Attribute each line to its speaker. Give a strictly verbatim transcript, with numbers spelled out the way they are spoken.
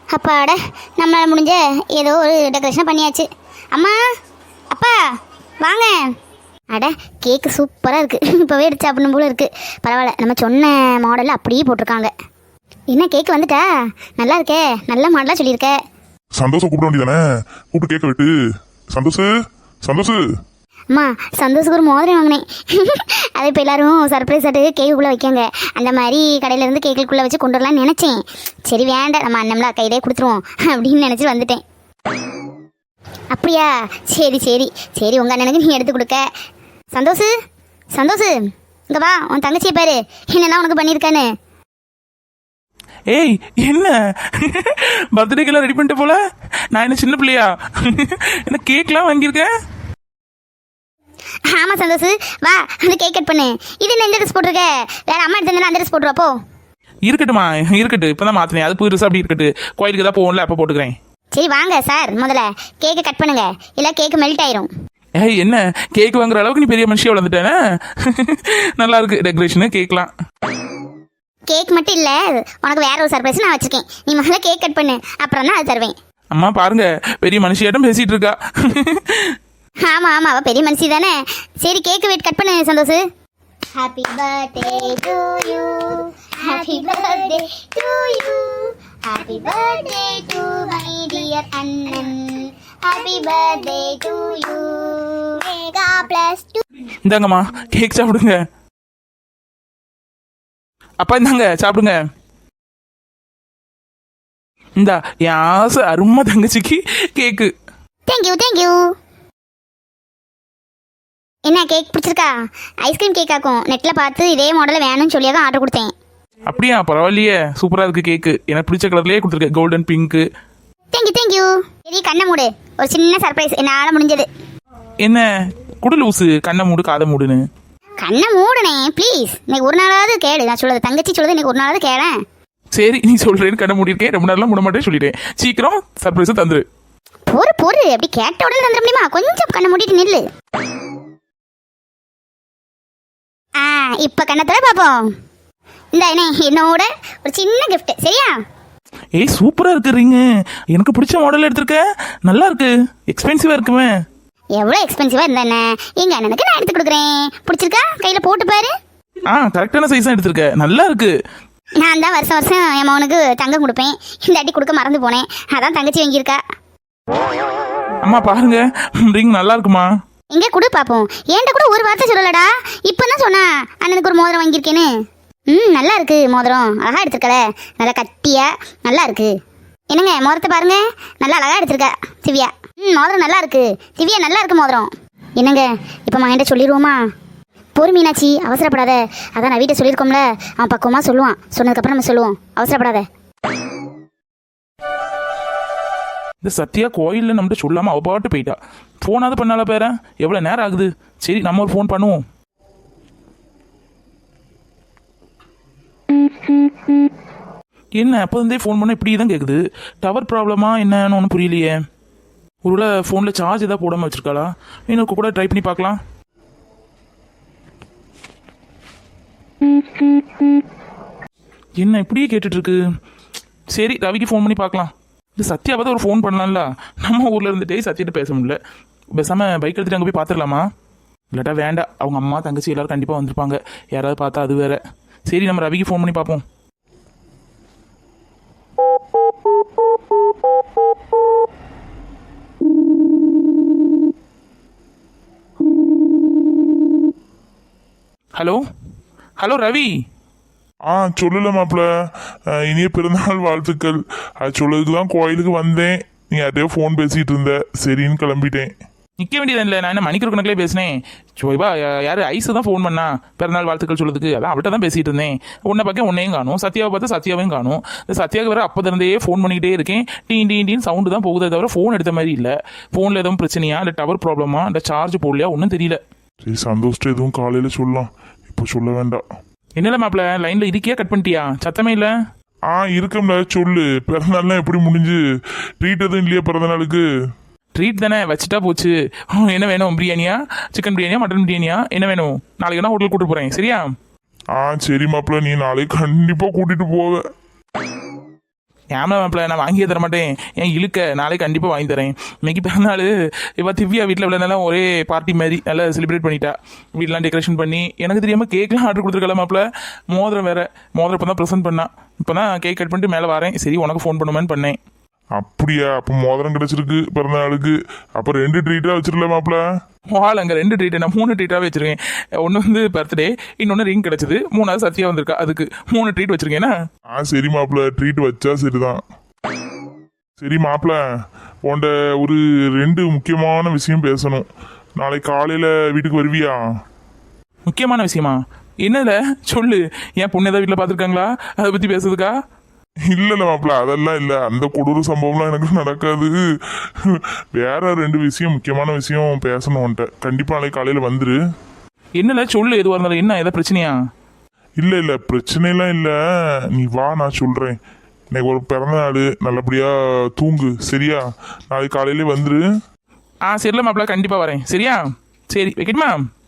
Speaker 1: அப்பாட நம்மளால் முடிஞ்ச ஏதோ ஒரு டெக்கரேஷன் பண்ணியாச்சு. அம்மா அப்பா வாங்க. அட கேக்கு சூப்பராக இருக்குது. இப்போவே எடுத்து சாப்பிடணும் போல இருக்குது. பரவாயில்ல, நம்ம சொன்ன மாடலில் அப்படியே போட்டிருக்காங்க. என்ன கேக்கு வந்துட்டா? நல்லா இருக்கே, நல்ல மாடலாக சொல்லியிருக்க.
Speaker 2: சந்தோஷம் கூப்பிட வேண்டியதானே, கூப்பிட்டு கேட்க விட்டு. சந்தோஷ் சந்தோஷ்
Speaker 1: அம்மா சந்தோஷுக்கு ஒரு மோதிரம் வாங்கினேன். அதை இப்போ எல்லாரும் சர்ப்ரைஸ் ஆட்டு கேக்குள்ளே வைக்காங்க. அந்த மாதிரி கடையிலேருந்து கேக்குக்குள்ளே வச்சு கொண்டு வரலான்னு நினச்சேன். சரி வேண்டாம், நம்ம அண்ணம்லாம் கையிலே கொடுத்துருவோம் அப்படின்னு நினச்சி வந்துட்டேன். அப்படியா? சரி சரி சரி, உங்கள் அண்ணனுக்கு நீ எடுத்து கொடுக்க. சந்தோஷ் சந்தோஷ் இங்கே வா, உன் தங்கச்சியை பாரு என்னெல்லாம் உனக்கு பண்ணியிருக்கான்னு.
Speaker 3: ஏய் என்ன பர்த்டேக்கெல்லாம் ரெடி பண்ணிட்டு போல? நான் என்ன சின்ன பிள்ளையா? என்ன கேக்லாம் வாங்கியிருக்கேன்?
Speaker 1: ஆமாம் சந்தோஷ், வா அந்த கேக் கட் பண்ணு. இது என்ன இந்த ட்ரெஸ் போட்டிருக்க? வேற அம்மா எடுத்து அந்த ட்ரெஸ் போட்டுருவாப்போ.
Speaker 3: இருக்கட்டுமா, இருக்கட்டு. இப்போ தான் மாற்றினேன், அது புதுசு அப்படி இருக்கட்டு. கோயிலுக்கு தான் போகல, அப்போ போட்டுக்கிறேன்.
Speaker 1: சரி வாங்க சார், முதல்ல கேக்கை கட் பண்ணுங்க, இல்லை கேக்கு மெல்ட் ஆயிரும்.
Speaker 3: ஏய் என்ன கேக் வாங்குற அளவுக்கு நீ பெரிய மனுஷியா வளர்ந்துட்டேனே. நல்லா இருக்கு டெக்கரேஷனு, கேக்லாம்.
Speaker 1: கேக் மட்டும் இல்லை, உனக்கு வேற ஒரு சர்ப்ரைஸ் நான் வச்சிருக்கேன். நீ முதல்ல கேக் கட் பண்ணு, அப்புறம் தான் அது தருவேன்.
Speaker 3: அம்மா பாருங்க, பெரிய மனுஷியாட்டம் பேசிட்டு இருக்கா.
Speaker 1: ஆமாம் ஆமாம், அவள் பெரிய மனுஷி தானே. சரி கேக்கு வெயிட் கட் பண்ணு Santhosh. Happy birthday to you, happy birthday to you, happy birthday to my dear அண்ணன், happy birthday to you, Megha plus two.
Speaker 3: இந்தாங்கம்மா கேக் சாப்பிடுங்க. அப்பா இந்தாங்க சாப்பிடுங்க. இந்தா என் ஆசை அருமை தங்கச்சிக்கு கேக்கு.
Speaker 1: Thank you thank you. என்ன கேக் பிடிச்சிருக்கா? ஐஸ்கிரீம் கேக் ஆக்கும். நெட்டில் பார்த்து இதே மாடலில் வேணும்னு சொல்லியாக ஆர்டர் கொடுத்தேன்.
Speaker 3: அப்படியா? பரவாயில்லையே, சூப்பராக இருக்கு கேக்கு. எனக்கு பிடிச்ச கலர்லேயே கொடுத்துருக்கேன், கோல்டன் பிங்க்கு.
Speaker 1: Thank you thank you. சரி கண்ணை மூடு, ஒரு சின்ன சர்ப்ரைஸ் என்னால் முடிஞ்சது.
Speaker 3: என்ன குடு லூசு, கண்ணை மூடு காதை மூடுன்னு.
Speaker 1: கண்ணை மூடுனே ப்ளீஸ். இன்னைக்கு ஒரு நாளாவது கேளு, நான் சொல்லுறது தங்கச்சி சொல்லுது, இன்னைக்கு ஒரு நாளாவது கேளேன்.
Speaker 3: சரி நீ சொல்கிறேன்னு கண்ணை மூடிருக்கேன், ரொம்ப நேரம்லாம் மூட மாட்டேன்னு சொல்லிட்டேன். சீக்கிரம் சர்ப்ரைஸை தந்துரு.
Speaker 1: பொறு பொறு, அப்படி கேட்ட உடனே தந்துட முடியுமா? கொஞ்சம் கண்ணை மூடிட்டு நில்லு. ஆ இப்போ கண்ணத்தில் பார்ப்போம். இந்த என்ன என்னோட ஒரு சின்ன கிஃப்ட், சரியா?
Speaker 3: ஏய் சூப்பராக இருக்கு ரிங்கு, எனக்கு பிடிச்ச மாடல் எடுத்திருக்க. நல்லா இருக்கு, எக்ஸ்பென்சிவாக இருக்குமே.
Speaker 1: எவ்வளோ எக்ஸ்பென்சிவாக இருந்தா என்ன, எங்கள் அண்ணனுக்கு நான் எடுத்து கொடுக்குறேன். பிடிச்சிருக்கா? கையில் போட்டு பாரு.
Speaker 3: ஆ கரெக்டான சைஸாக எடுத்திருக்க, நல்லா இருக்கு.
Speaker 1: நான் தான் வருஷம் வருஷம் என் மகனுக்கு தங்கம் கொடுப்பேன். இந்த அடி கொடுக்க மறந்து போனேன், அதான் தங்கச்சி வாங்கியிருக்கா.
Speaker 3: அம்மா பாருங்க, ரிங் நல்லா இருக்குமா?
Speaker 1: எங்கே கொடு பார்ப்போம். ஏன்ட்ட கூட ஒரு வார்த்தை சொல்லலடா, இப்போ தான் சொன்னா அண்ணனுக்கு ஒரு மோதிரம் வாங்கியிருக்கேன்னு. ம் நல்லா இருக்கு மோதிரம், அழகா எடுத்துருக்கல, நல்லா கட்டியா நல்லா இருக்கு. என்னங்க மோதிரத்தை பாருங்க, நல்லா அழகா எடுத்திருக்க திவ்யா. ம் மோதிரம் நல்லா இருக்கு திவ்யா, நல்லா இருக்கு மோதிரம். என்னங்க இப்போ மகன்கிட்ட சொல்லிடுவோமா? பொறு மீனாட்சி, அவசரப்படாத. அதான் நான் வீட்டை சொல்லியிருக்கோம்ல, அவன் பக்குவமாக சொல்லுவான். சொன்னதுக்கப்புறம் நம்ம சொல்லுவோம், அவசரப்படாத.
Speaker 3: இந்த சத்யா கோயிலில் நம்மகிட்ட சொல்லாமல் அவ பாட்டு போயிட்டா. ஃபோனாவது பண்ணால பேர, எவ்வளோ நேரம் ஆகுது. சரி நம்ம ஒரு ஃபோன் பண்ணுவோம். என்ன அப்போ இருந்தே ஃபோன் பண்ண இப்படி தான் கேட்குது. டவர் ப்ராப்ளமா என்னன்னு ஒன்றும் புரியலையே. ஒருவேளை ஃபோனில் சார்ஜ் எதாவது போடாமல் வச்சுருக்காளா? எனக்கு கூட ட்ரை பண்ணி பார்க்கலாம். என்ன இப்படியே கேட்டுட்ருக்கு. சரி ரவிக்கு ஃபோன் பண்ணி பார்க்கலாம். இந்த சத்யாவை தான் ஒரு ஃபோன் பண்ணலாம்ல, நம்ம ஊரில் இருந்துகிட்டே சத்யிட்ட பேச முடியல. பேசாமல் பைக் எடுத்துகிட்டு அங்கே போய் பார்த்துடலாமா? இல்லாட்டா வேண்டாம், அவங்க அம்மா தங்கச்சி எல்லோரும் கண்டிப்பாக வந்திருப்பாங்க, யாராவது பார்த்தா அது வேற. சரி நம்ம ரவிக்கு ஃபோன் பண்ணி பார்ப்போம். Hello hello Ravi.
Speaker 2: ஆ சொல்லல மாப்பிள்ள, இனிய பிறந்தநாள் வாழ்த்துக்கள். அது சொல்லதுக்கு தான் கோயிலுக்கு வந்தேன். நீ யார்ட்டையோ ஃபோன் பேசிகிட்டு இருந்த, சரின்னு கிளம்பிட்டேன்.
Speaker 3: நிற்க வேண்டியது இல்லை, நான் என்ன மணிக்கூர் கணக்கிலே பேசினேன். சோய்பா யார் ஐஸு தான் ஃபோன் பண்ணா பிறநாள் வாழ்த்துக்கள் சொல்லுறதுக்கு. அதான் அவள்கிட்ட தான் பேசிகிட்டு இருந்தேன். உன்னை பார்க்க உன்னையும் காணும், சத்யாவை பார்த்தா சத்யாவையும் காணும். இந்த சத்யாவுக்கு வேறு அப்போ இருந்தே ஃபோன் பண்ணிக்கிட்டே இருக்கேன். டீன் டீன் டீன் சவுண்டு தான் போகுதே தவிர ஃபோன் எடுத்த மாதிரி இல்லை. ஃபோனில் எதுவும் பிரச்சனையா, இல்லை டவர் ப்ராப்ளமா, இல்லை சார்ஜ் போடலையா, ஒன்றும் தெரியல.
Speaker 2: சரி சந்தோஷம், எதுவும் காலையில் சொல்லலாம், இப்போ சொல்ல வேண்டாம்.
Speaker 3: என்னல மாப்பிள்ள லைனில் இருக்கியா, கட் பண்ணிட்டியா? சத்தமே இல்லை.
Speaker 2: ஆ இருக்கம்ல, சொல்லு. பிறந்தநாள்லாம் எப்படி முடிஞ்சு? ட்ரீட் எதுவும் இல்லையா பிறந்தநாளுக்கு?
Speaker 3: ட்ரீட் தானே, வச்சுட்டா போச்சு. என்ன வேணும்? பிரியாணியா, சிக்கன் பிரியாணியா, மட்டன் பிரியாணியா, என்ன வேணும்? நாளைக்கு நான் ஹோட்டல் கூப்பிட்டு போகிறேன், சரியா?
Speaker 2: ஆ சரி மாப்பிள்ள, நீ நாளைக்கு கண்டிப்பாக கூட்டிகிட்டு போவ.
Speaker 3: ஏமா மாப்பிள்ள நான் வாங்கியே தர மாட்டேன், ஏன் இழுக்க, நாளைக்கு கண்டிப்பாக வாங்கி தரேன். இன்னைக்கு பிறந்தநாள், இப்போ திவ்யா வீட்டில் விளையாடலாம் ஒரே பார்ட்டி மாதிரி நல்லா செலிப்ரேட் பண்ணிட்டா. வீட்டெலாம் டெக்கரேஷன் பண்ணி எனக்கு தெரியாமல் கேக்லாம் ஆர்டர் கொடுத்துருக்கலாம் மாப்பிள்ள. மோதிரம் வேற, மோதிரம் இப்போ தான் ப்ரெசென்ட் பண்ணா. இப்போ தான் கேக் கட் பண்ணிட்டு மேலே வரேன். சரி உனக்கு ஃபோன் பண்ணுவேன்னு பண்ணேன்.
Speaker 2: அப்படியா? அப்போ மோதிரம் கிடைச்சிருக்கு பிறந்த நாளுக்கு. அப்போ ரெண்டு ட்ரீட்டாக வச்சிருல மாப்பிள்ள.
Speaker 3: வால் அங்கே ரெண்டு ட்ரீட்டு, நான் மூணு ட்ரீட்டாகவே வச்சிருக்கேன். ஒன்று வந்து பர்த்டே, இன்னொன்று ரிங் கிடச்சிது, மூணாவது சத்யா வந்திருக்கா, அதுக்கு மூணு ட்ரீட் வச்சிருக்கேன்னா.
Speaker 2: ஆ சரி மாப்பிள்ள, ட்ரீட் வச்சா சரிதான். சரி மாப்பிள்ள, உன்ட ஒரு ரெண்டு முக்கியமான விஷயம் பேசணும். நாளைக்கு காலையில் வீட்டுக்கு வருவியா?
Speaker 3: முக்கியமான விஷயமா? என்னல சொல்லு. ஏன் பொண்ணு ஏதாவது வீட்டில் பார்த்துருக்காங்களா, அதை பற்றி பேசுறதுக்கா?
Speaker 2: இல்லைல்ல மாப்பிள்ள, அதெல்லாம் இல்லை. அந்த கொடூர சம்பவம்லாம் எனக்கு நடக்காது. வேற ரெண்டு விஷயம், முக்கியமான விஷயம் பேசணும் உன்ட்ட. கண்டிப்பாக நாளைக்கு காலையில் வந்துரு.
Speaker 3: என்னல சொல்லு, எதுவாக இருந்தாலும். என்ன ஏதாவது பிரச்சனையா?
Speaker 2: இல்லை இல்லை, பிரச்சனைலாம் இல்லை. நீ வா, நான் சொல்கிறேன். இன்னைக்கு ஒரு பிறந்த நாள், நல்லபடியாக தூங்கு சரியா? நாளைக்கு காலையிலே வந்துரு.
Speaker 3: ஆ சரில மாப்பிள்ள, கண்டிப்பாக வரேன். சரியா? சரி வைக்கட்டுமா?